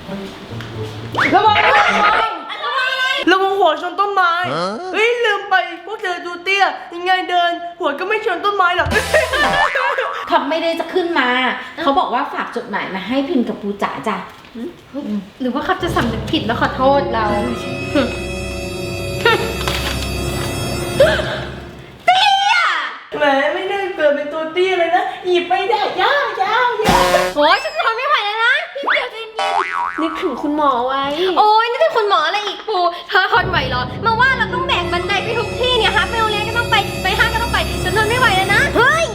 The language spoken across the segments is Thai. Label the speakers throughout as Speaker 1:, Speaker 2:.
Speaker 1: ระวังระวังหัวชนต้นไม้เฮ้ยลืมไปพวกเธอดูเตี้ยยังไงเดินหัวก็ไม่ชนต้นไม้หรอก
Speaker 2: ทำไม่ได้จะขึ้นมาเขาบอกว่าฝากจดหมายมาให้พิมพ์กับปูจ๋าจ้ะ
Speaker 3: หรือว่าเขาจะสำนึกผิดแล้วขอโทษเรา
Speaker 1: แหมไม่ได้เกิดเป็นตัวเตี้ยเลยนะหยิบไม่ได้ยา
Speaker 3: โอ้ยฉันทนไม่ไหวแล้วนะพี่เดียวใจเย็นนึกถึงคุณหมอไว้โอ้ยนึกถึงคุณหมออะไรอีกปูเธอทนไหวเหรอมาว่าเราต้องแบกบันไดไปทุกที่เนี่ยฮะไปโรงเรียนก็ต้องไปห้างก็ต้องไปฉันทนไม่ไหวแล้วนะเฮ้ย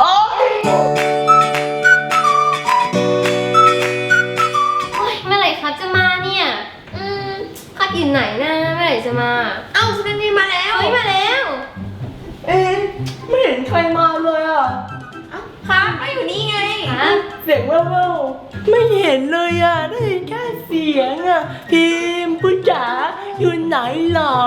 Speaker 3: เมื่อไหร่ครับจะมาเนี่ยครับอยู่ไหนนะเมื่อไหร่จะมาเอ้าสุนันทีมาแล้วเฮ้ยมาแล้ว
Speaker 1: ไม่เห็นใครมาเลยอ่ะ
Speaker 3: ครับก็อยู่นี่ไงครับ
Speaker 1: เสียงแว่วๆไม่เห็นเลยอ่ะได้ยินแค่เสียงอ่ะพิมพ์ปุจ๋าอยู่ไหนหรอ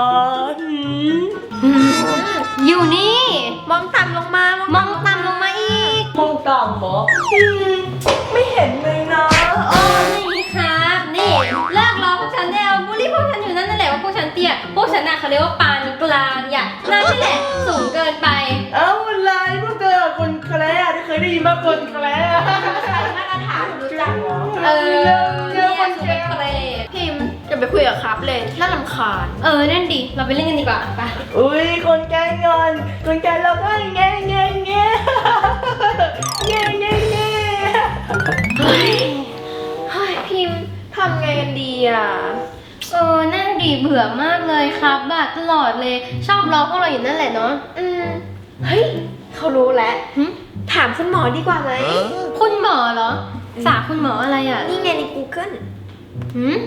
Speaker 3: อยู่นี่มองต่ำลงมามองต่ำลงมาอีก
Speaker 1: มองต่ำเหรอไม่เห็นเลยนะ
Speaker 3: โอ้นี่ครับนี่เลิกล้อพวกฉันได้แล้วบูลลี่พวกฉันอยู่นั่นแหละว่าพวกฉันเตี้ยพวกฉันน่ะเขาเรียกว่าปานกลางอย่างนั่นแหละสูงเกินไป
Speaker 1: เอ้าอะไรพวกเธอคนแคร์ที่เคยได้ยินมาคนแคร์
Speaker 2: มาตรฐานรู้จักเหรอ
Speaker 3: เนี่ยสูงเป็นเปรต
Speaker 4: พิมพ์อย่าไปคุยกับครับเลยน่ารำคาญ
Speaker 3: นั่นดิเราไปเล่นกันดีกว่าไป
Speaker 1: อุ้ยคนแกงอนคนแกเราก็แง่แง่แง่แง่แง่แง่
Speaker 4: เฮ้ยพิมพ์ทำไงกันดีอ่ะ
Speaker 3: นั่นดิเบื่อมากเลยครับแบบตลอดเลยชอบล้อพวกเราอยู่นั่นแหละเนาะ
Speaker 4: เฮ้ยเขารู้แล้วถามคุณหมอดีกว่าไหม
Speaker 3: คุณหมอเหรอสาคุณหมออะไรอ่ะ
Speaker 4: นี่ไงใน Google
Speaker 3: หืม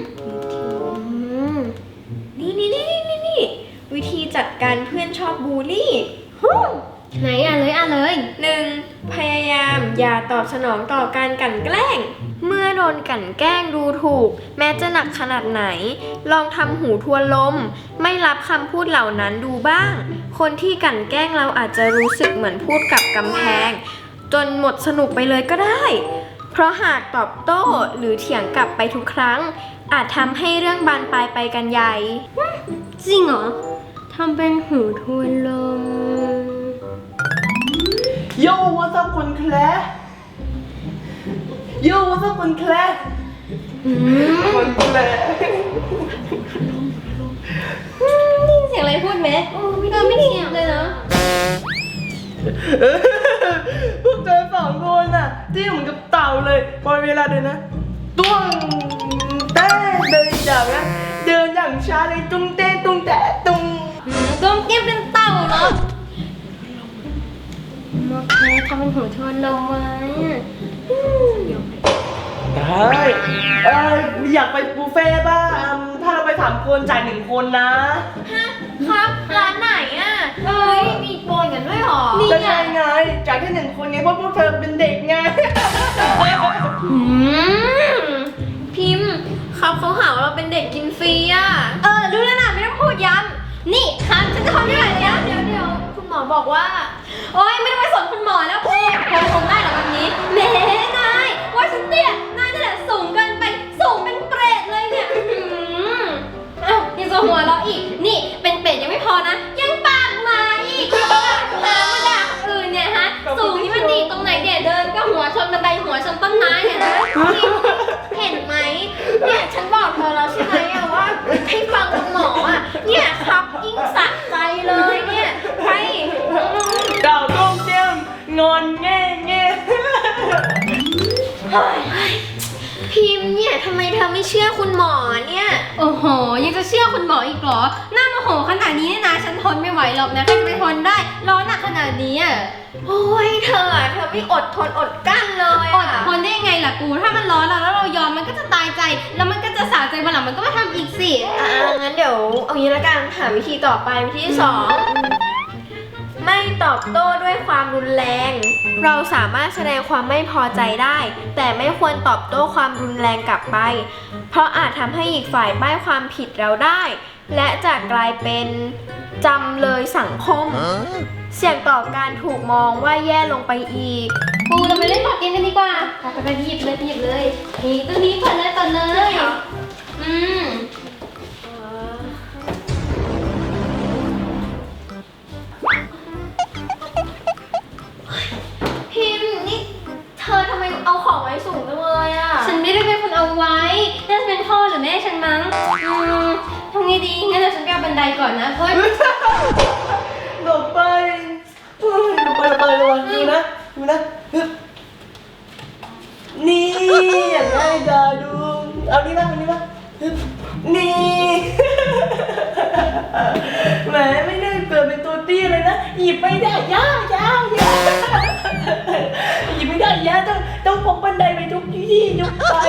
Speaker 4: นี่วิธีจัดการเพื่อนชอบบูลลี่
Speaker 3: ไหนอ่ะเลย
Speaker 4: 1. พยายามอย่าตอบสนองต่อการกลั่นแกล้ง เมื่อโดนกลั่นแกล้งดูถูก แม้จะหนักขนาดไหน ลองทำหูทวนลม ไม่รับคำพูดเหล่านั้นดูบ้าง คนที่กลั่นแกล้งเราอาจจะรู้สึกเหมือนพูดกับกำแพง จนหมดสนุกไปเลยก็ได้ เพราะหากตอบโต้หรือเถียงกลับไปทุกครั้ง อาจทำให้เรื่องบานปลายไปกันใหญ่
Speaker 3: จริงเหรอทำเป็นหูทวนลม
Speaker 1: โย่ว่าสักคนแคร์โย่ว่าสักคนแคร์คนแคร์
Speaker 3: นี่เสียงอะไรพูดไหมไม่ได้ยินเลยเนาะ
Speaker 1: พวกเธอสองคนน่ะที่เหมือนกับเต่าเลยพอเวลาเดินนะตุ้งเต้เดินอย่างนั้นเดินอย่างช้าเลยตุ้งเต้ตุ้งแต่ตุ้ง
Speaker 3: ก้มเก็บเป็นเต่าเหรอโอเคทำเป็นหูทวนลมไว้
Speaker 1: ได้อยากไปบุฟเฟ่ต์ป่ะถ้าเราไป3 คนจ่าย1 คนนะครับ
Speaker 4: ร้านไหนอ่ะมีโปรกันด้วยหรอ
Speaker 1: ก็ใช่ไงจ่ายแค่1 คนไงเพราะพวกเธอเป็นเด็กไง
Speaker 4: พิมพ์ครับเขาหาว่าเราเป็นเด็กกินฟรีอ่ะ
Speaker 3: รู้แล้วนะไม่ต้องพูดย้ำนี่ครับฉันจะทนไม่ไหวแล้ว
Speaker 4: เดี๋ยวคุณหมอบอกว่า
Speaker 3: โอ๊ยไม่ต้องไปสนคุณหมอแล้วพูดพอทนได้เหรอแบบนี้แหมนายว่าฉันเตี้ยนายนี่แหละสูงเกินไปสูงเป็นเปรตเลยเนี่ยยังจะหัวเราะอีกนี่เป็นเปรตยังไม่พอนะยังปากหมาอีกมาด่าคนอื่นเนี่ยฮะสูงนี่มันดีตรงไหนเดี๋ยเดินก็หัวชนบันไดหัวชนต้นไม้เนี่ยนะ
Speaker 4: เห็นไหมเนี่ยฉันบอกเธอแล้วใช่ไหมอะว่าให้ฟังคุณหมออะเนี่ยครับยิ่งสะใจเลยเนี่ยไป
Speaker 1: ดาวต้มเจียมงอนแง่แง่
Speaker 4: พิมพ์เนี่ยทำไมเธอไม่เชื่อคุณหมอเนี่ย
Speaker 3: โอ้โหยังจะเชื่อคุณหมออีกเหรอหน้าโมโหขนาดนี้เนี่ยนะฉันทนไม่ไหวหรอกนะใครจะไปทนได้ร้อนหนักขนาดนี้อ่ะ
Speaker 4: โอ้ยเธอไม่อดทนอดกั้นเลย
Speaker 3: อดทนได้ยังไงล่ะกูถ้ามันร้อนแล้วเรายอมมันก็จะตายใจแล้วมันก็จะสาใจวันหลังมันก็มาทำอีกสิ
Speaker 4: งั้นเดี๋ยวเอางี้ละกันหาวิธีต่อไปวิธีที่ 2 ไม่ตอบโต้ด้วยความรุนแรง เราสามารถแสดงความไม่พอใจได้ แต่ไม่ควรตอบโต้ความรุนแรงกลับไป เพราะอาจทำให้อีกฝ่ายป้ายความผิดเราได้ และจะกลายเป็นจำเลยสังคม เสี่ยงต่อการถูกมองว่าแย่ลงไปอีก
Speaker 3: ปูเราไปเล่นบอร์ดเกมกันดีกว่าไปหยิบเลยนี่ตัวนี้ก่อนเลยเอาไว้น่าจะเป็นพ่อหรือแม่ฉันมั้งทำไงดีงั้นเดี๋ยวฉันไปเอาบันไดก่อนนะเพราะว่า
Speaker 1: หลบไปหลบไประวังดูนะฮึบนี่อย่างง่ายดายดูเอานี่มาฮึบนี่แหมไม่ได้เกิดเป็นตัวเตี้ยเลยนะหยิบไม่ได้ยากหยิบไม่ได้ยากต้องพกบันไดไปทุกที่ยกไป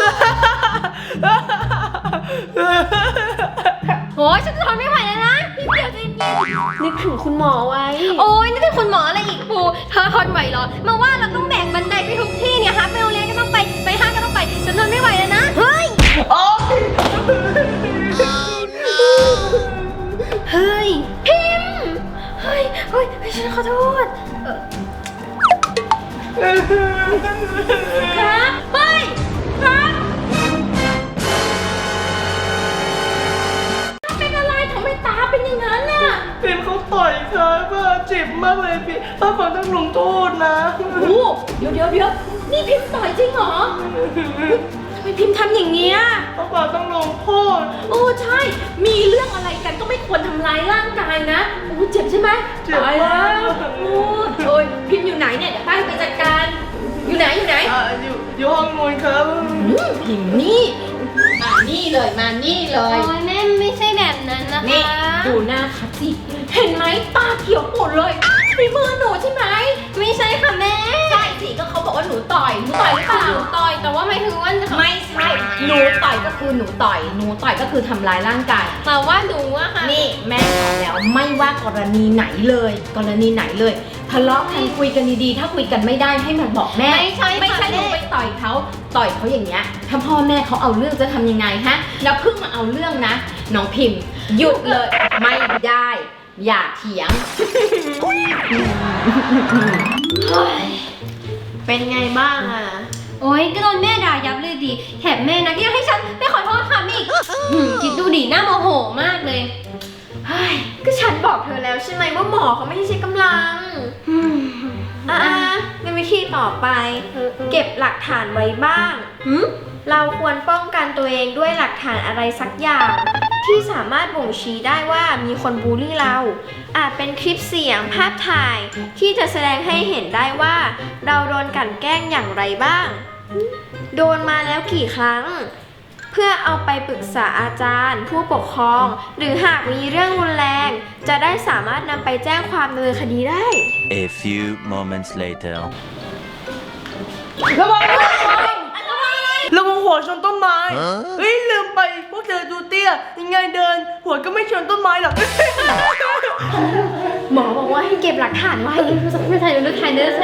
Speaker 3: โอ้ยฉันจะทนไม่ไหวแล้วนะพี่เดี๋ยวจะ
Speaker 4: นึกถึงคุณหมอไว้
Speaker 3: โอ้ยนี่เป็นคุณหมออะไรอีกปูเธอทนไหวเหรอมาว่าเราต้องแบกบันไดไปทุกที่เนี่ยฮะไปโรงเรียนก็ต้องไปห้างก็ต้องไปฉันทนไม่ไหวแล้วนะเฮ้ย
Speaker 1: โอ๊ย
Speaker 3: เฮ้ยพิมพ์เฮ้ยฉันขอโทษครับเฮ้ยครับเป็นอะไรทำไมตาเป็นอย่างนั้นน่ะ
Speaker 1: พิมเขาต่อยครับเจ็บมากเลยพี่ป้าขอต้องลงโทษนะ
Speaker 2: โอ้เดี๋ยวนี่พิมพ์ต่อยจริงเหรอทำไมพิมพ์ทำอย่างเงี้ย
Speaker 1: ป้าขอต้องลงโทษ
Speaker 2: โอ้ใช่ มีเรื่องอะไรกันก็ไม่ควรทำร้ายร่างกายนะโอ้เจ็บใช่ไหม
Speaker 1: เจ็บ
Speaker 2: ตาย
Speaker 1: มา
Speaker 2: แล้ว
Speaker 1: ก
Speaker 2: โอ้ยพิมพ์อยู่ไหนเนี่ยเดี๋ยวป้าไปจัดการอยู่ไหน
Speaker 1: อยู่ห้องนู้นครับ
Speaker 2: พิมพ์นี่มานี่เลยมานี่เล
Speaker 3: โอ้
Speaker 2: ย
Speaker 3: ยแม่ไม่ใช่แบบนั้นนะคะ
Speaker 2: นี่ดูหน้าคัดสิเห็นไหมตาเขียวปูดเลยฝีมือหนูใช่ไหม
Speaker 3: ไม่ใช่ค่ะแม่
Speaker 2: ใช่สิก็เขาบอกว่าหนูต่อยหนูต่อยหรือเปล่า
Speaker 3: หนูต่อยแต่ว่าไม่ถึงว่า
Speaker 2: ไม่ใช่หนูต่อยก็คือหนูต่อยก็คือทำร้ายร่างกาย
Speaker 3: แต่ว่าหนูอะค่ะ
Speaker 2: นี่แม่บอกแล้วไม่ว่ากรณีไหนเลยทะเลาะกันคุยกันดีๆถ้าคุยกันไม่ได้ให้มาบอกแม่
Speaker 3: ไม่ใช่
Speaker 2: ไม่ใช่
Speaker 3: ค่ะ
Speaker 2: หนู
Speaker 3: แม่
Speaker 2: ไปต่อยเขาอย่างเงี้ยถ้าพ่อแม่เขาเอาเรื่องจะทำยังไงฮะแล้วเพิ่งมาเอาเรื่องนะน้องพิมพ์หยุดเลยไม่ได้อย่าเถียง
Speaker 4: เป็นไงบ้างอะ
Speaker 3: โอ๊ยก็โดนแม่ด่ายับเลยดิแถมแม่นะก็ยังให้ฉันไปขอโทษค่ะอีกคิดดูดิหน้าโมโหมากเลย
Speaker 4: เฮ้ยก็ฉันบอกเธอแล้วใช่ไหมว่าหมอเขาไม่ใช่กำลังในวิธีต่อไป เก็บหลักฐานไว้บ้าง เราควรป้องกันตัวเองด้วยหลักฐานอะไรสักอย่าง ที่สามารถบ่งชี้ได้ว่ามีคนบูลลี่เรา อาจเป็นคลิปเสียงภาพถ่าย ที่จะแสดงให้เห็นได้ว่า เราโดนกลั่นแกล้งอย่างไรบ้าง โดนมาแล้วกี่ครั้ง เพื่อเอาไปปรึกษาอาจารย์ ผู้ปกครอง หรือหากมีเรื่องรุนแรง จะได้สามารถนำไปแจ้งความดำเนินคดีได้
Speaker 5: A few moments later.
Speaker 1: ระวังหัวชนต้นไม้เฮ้ยลืมไปพวกเธอดูเตี้ยยังไงเดิน หัวก็ไม่ชนต้นไม้หรอก
Speaker 4: หมอบอกว่าให้เก็บหลักฐานไว้
Speaker 3: ไม่ถ่ายรูปถ่ายรูป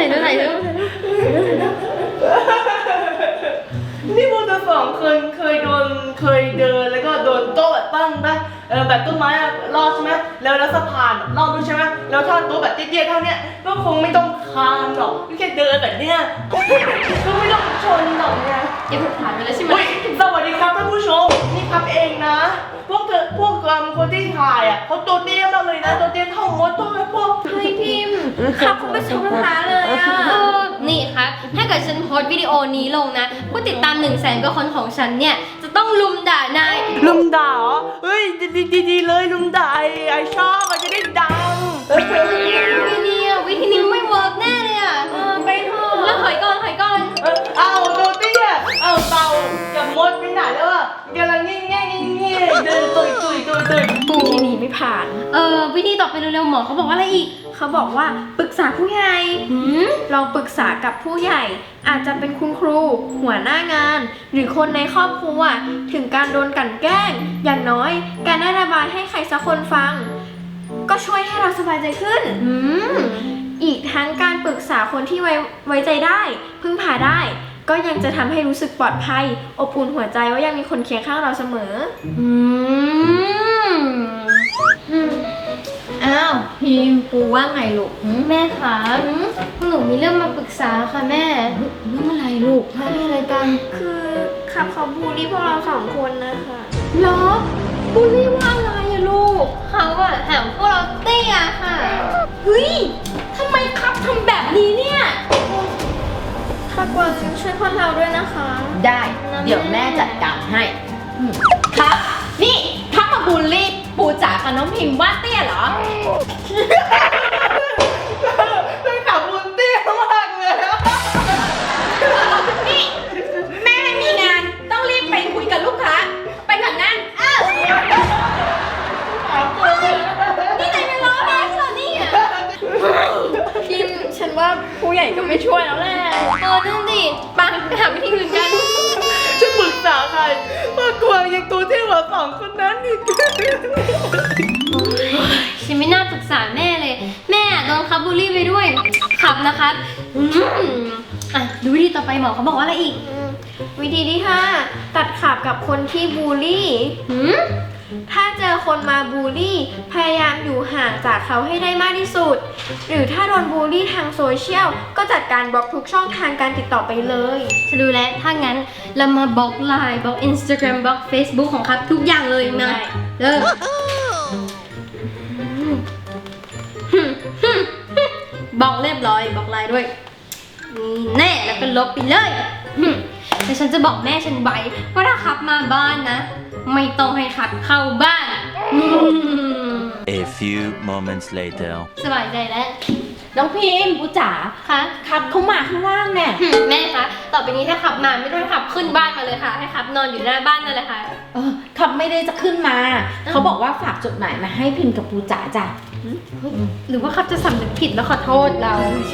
Speaker 1: นี่พวกเธอสองเคยเดินแล้วก็โดนโต๊ะแบบตั้งปะแบบต้นไม้อะรอดใช่ไหมแล้วสะพานรอดด้วยใช่ไหมแล้วถ้าโต๊ะแบบเตี้ยๆเท่าเนี้ยก็คงไม่ต้องคานหรอกแค่เดินแบบเนี้ย ก็ไม่ต้องชนหรอกเนี่ย
Speaker 3: เก็บหลักฐานไปแล้วใช่ไหม
Speaker 1: อุ๊ยสวัสดีครับท่านผู้ชมนี่ครับเองนะ พวกคนที่ถ่ายอ่ะเขาตัวเตี้ยมากเลยนะตัวเตี้ยเท่ามดตัวแบบพวก
Speaker 3: เฮ้ยพิมพ์
Speaker 4: ครับคุณผู้ชมคะเลยอะ
Speaker 3: นี่ครับถ้าเกิดฉันโพสต์วิดีโอนี้ลงนะผู้ติดตาม 100,000 กว่าคนของฉันเนี่ยจะต้องลุมด่านาย
Speaker 1: ลุมด่าเหรอเฮ้ยดีเลยลุมด่าไอชอบจะได้ดัง
Speaker 3: วิธีนี้ไม่เวิร์กแน่เลยอ่ะไปเถอะแล้วถอยก่อน
Speaker 1: เอาตัวเตี้ยเอาเตาอย่ามดไปไหนแล้วอ่ะกำลังแง่เดินตุย
Speaker 4: วิธีนี้ไม่ผ่าน
Speaker 3: วิธีต่อไปเร็วๆหมอเขาบอกว่าอะไรอีก
Speaker 4: เขาบอกว่าปรึกษาผู้ใหญ่ลองปรึกษากับผู้ใหญ่ อาจจะเป็นคุณครู หัวหน้างาน หรือคนในครอบครัวถึงการโดนกลั่นแกล้ง อย่างน้อยการได้ระบายให้ใครสักคนฟัง ก็ช่วยให้เราสบายใจขึ้น อีกทั้งการปรึกษาคนที่ไว้ใจได้ พึ่งพาได้ ก็ยังจะทำให้รู้สึกปลอดภัย อบอุ่นหัวใจว่ายังมีคนเคียงข้างเราเสมอ
Speaker 2: อ้าวพิมพ์ปูว่าไงลูก
Speaker 3: แม่คะหนูมีเรื่องมาปรึกษาค่ะแม่
Speaker 2: เรื่องอะไรลูกมีอะไรกัน
Speaker 4: คือขับเขาบูลลี่พวกเราสองคนนะคะ
Speaker 2: เหรอบูลลี่ว่าอะไรอะลูก
Speaker 3: เขาอะถามพวกเราเตี้ยค่ะ
Speaker 2: เฮ้ยทำไมครับทำแบบนี้เนี่ย
Speaker 4: เขากวางช่วยพวกเราด้วยนะคะ
Speaker 2: ได้ เดี๋ยวแม่จัดการให้ครับ นี่ถ้ามาบูลลี่ปูจ๋ากับน้องพิมพ์ว่าเตี้ยเหรอ
Speaker 1: ไม่ขับบุญเตี้ยมากเลยอะ
Speaker 2: นี่แม่ไม่มีงานต้องรีบไปคุยกับลูกค้า ไปก่อนนะนี่ไหนเป็นล้อแม่เหรอเนี่ย
Speaker 4: พิมฉันว่าผู้ใหญ่ก็ไม่ช่วยแล้วแหละนั่นดิไปหาวิธีอื่นกัน
Speaker 1: ฉันปรึกษาใครมากวางยังตัวที่หัวสองคนนั้นอีก
Speaker 3: ฉันไม่น่าปรึกษาแม่เลย แม่โดนคับบูลลี่ไปด้วยขับนะคะอ่ะดูวิธีต่อไปหมอเขาบอกว่าอะไรอีก
Speaker 4: วิธีที่ 5 ตัดขาบกับคนที่บูลลี่ ถ้าเจอคนมาบูลลี่ พยายามอยู่ห่างจากเขาให้ได้มากที่สุด หรือถ้าโดนบูลลี่ทางโซเชียลก็จัดการบล็อกทุกช่องทางการติดต่อไปเลย
Speaker 3: ฉันดูแล้วถ้างั้นเรามาบล็อกไลน์บล็อก Instagram บล็อก Facebook ของครับทุกอย่างเลยนะเริ่มบล็อกเรียบร้อยบล็อกไลน์ด้วยนี่แน่แล้วก็ลบไปเลยแต่ฉันจะบอกแม่ฉันไว้ว่าถ้าครับมาบ้านนะ ไม่ต้องให้ครับเข้าบ้าน
Speaker 5: A few moments later.
Speaker 3: สบายใจแล้ว
Speaker 2: น้องพิมพ์ปูจ๋า
Speaker 3: คะ
Speaker 2: ครับเขามาข้างล่างเนี่ย
Speaker 3: แม่คะต่อไปนี้ถ้าขับมาไม่ต้องให้ขับขึ้นบ้านมาเลยค่ะ ให้ขับนอนอยู่หน้าบ้านนั่นแหละค่ะ
Speaker 2: ครับไม่ได้จะขึ้นมา เขาบอกว่าฝากจดหมายมาให้พิมพ์กับปูจ๋าจ้ะ
Speaker 3: หรือว่าขับจะสำนึกผิดแล้วขอโทษเรา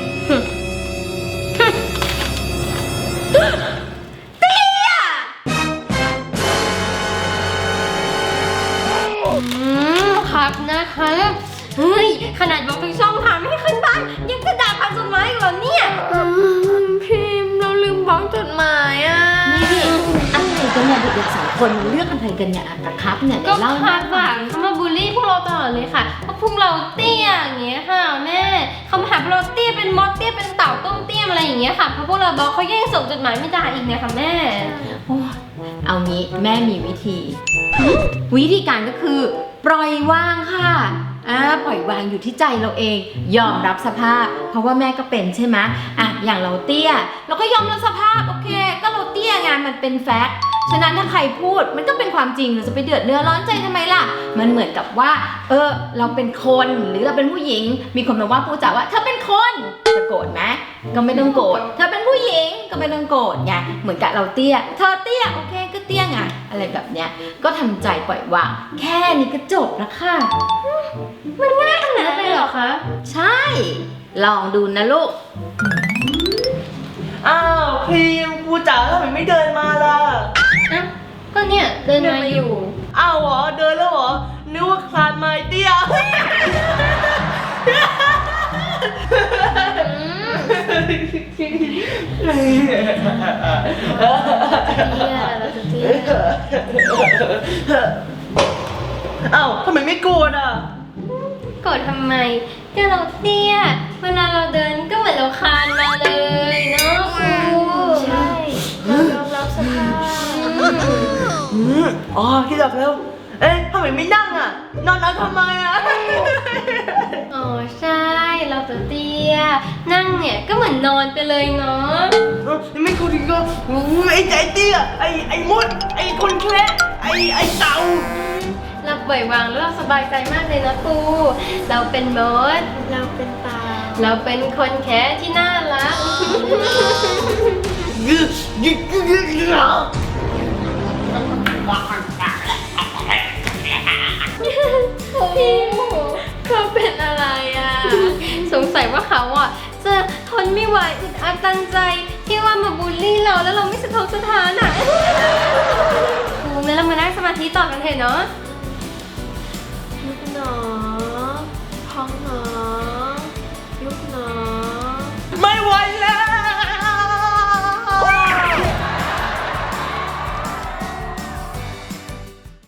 Speaker 3: ครับนะคะเฮ้ยขนาดบอกทุกช่องทางไม่ให้ขึ้นบ้านยังจะด่าผ่านจดหมายอีกเหรอเนี่ย
Speaker 4: พิมพ์เราลืมบล็อกจดหมายอ่ะ
Speaker 2: นี่อะไรกันเนี่ยเด็กๆสองคนมันเลือกอะไรกันเนี่ยกับครับเนี่ย
Speaker 3: ก็
Speaker 2: เดี๋ยวเล่า
Speaker 3: คาดหวังเขามาบูลลี่พวกเราตลอดเลยค่ะเพราะพวกเราเตี้ยอย่างเงี้ยค่ะแม่เขามาหาพวกเราเตี้ยเป็นมดเตี้ยเป็นเต่าต้มเตี้ยอะไรอย่างเงี้ยค่ะเพราะพวกเราบอกเขาแย่งส่งจดหมายไม่ได้อีกเนี่ยค่ะแม่
Speaker 2: โอ้ยเอางี้แม่มีวิธี วิธีการก็คือ ปล่อยวางค่ะปล่อยวางอยู่ที่ใจเราเอง ยอมรับสภาพ เพราะว่าแม่ก็เป็นใช่ไหมอย่างเราเตี้ยเราก็ยอมรับสภาพโอเค ก็เราเตี้ยไงมันเป็นแฟกต์ฉะนั้นถ้าใครพูดมันก็เป็นความจริงเราจะไปเดือดเนื้อร้อนใจทำไมล่ะมันเหมือนกับว่าเราเป็นคนหรือเราเป็นผู้หญิงมีคนมาว่าพูดจ๋าว่าเธอเป็นคนจะโกรธไหมก็ไม่ต้องโกรธเธอเป็นผู้หญิงก็ไม่ต้องโกรธไงเหมือนกับเราเตี้ยเธอเตี้ยโอเคก็เตี้ยไงอะไรแบบเนี้ยก็ทำใจปล่อยวางแค่นี้ก็จบแล้วค่ะ
Speaker 3: มันง่ายขนาดนั้นเลยเหรอคะ
Speaker 2: ใช่ ลองดูนะลูก
Speaker 1: อ้าวพิมพ์กูจ๋าทำไมไม่เดินมาล่ะ
Speaker 3: อ่ะก็เนี่ยเดินมาอยู่
Speaker 1: อ้าวเหรอเดินแล้วเหรอนึกว่าคลานมาเตี้ย อ้าวทำไมไม่โกรธอ่ะ
Speaker 3: โกรธทำไมก็เราเตี้ยเวลาเราเดินก็เหมือนเราคลานมาเลยเนาะครู
Speaker 4: ใช่เรายอมรับสภาพ
Speaker 1: อ๋อคิดออกแล้ว เอ๊ะทำไมไม่นั่งอ่ะ นอนเอาทำไมอ่ะ
Speaker 3: อ๋อใช่เราตัวเตี้ยนั่งเนี่ยก็เหมือนนอนไปเลยเนาะ
Speaker 1: ไม่กูถึงก็ไอ้ใจเตี้ยไอ้มดไอ้คนแค่ไอ้เต่า
Speaker 3: เราปล่อยวางแล้วเราสบายใจมากเลยนะครูเราเป็นมด
Speaker 4: เราเป็นตา
Speaker 3: เราเป็นคนแค่ที่น่ารัก
Speaker 4: พิมเขาเป็นอะไรอ่ะ
Speaker 3: สงสัยว่าเขาอ่ะจะทนไม่ไหวอึดอัดตันใจที่ว่ามาบูลลี่เราแล้วเราไม่สะทกสะท้านอ่ะครูงั้นเรามานั่งสมาธิต่อกันเถอะเนาะ
Speaker 4: โ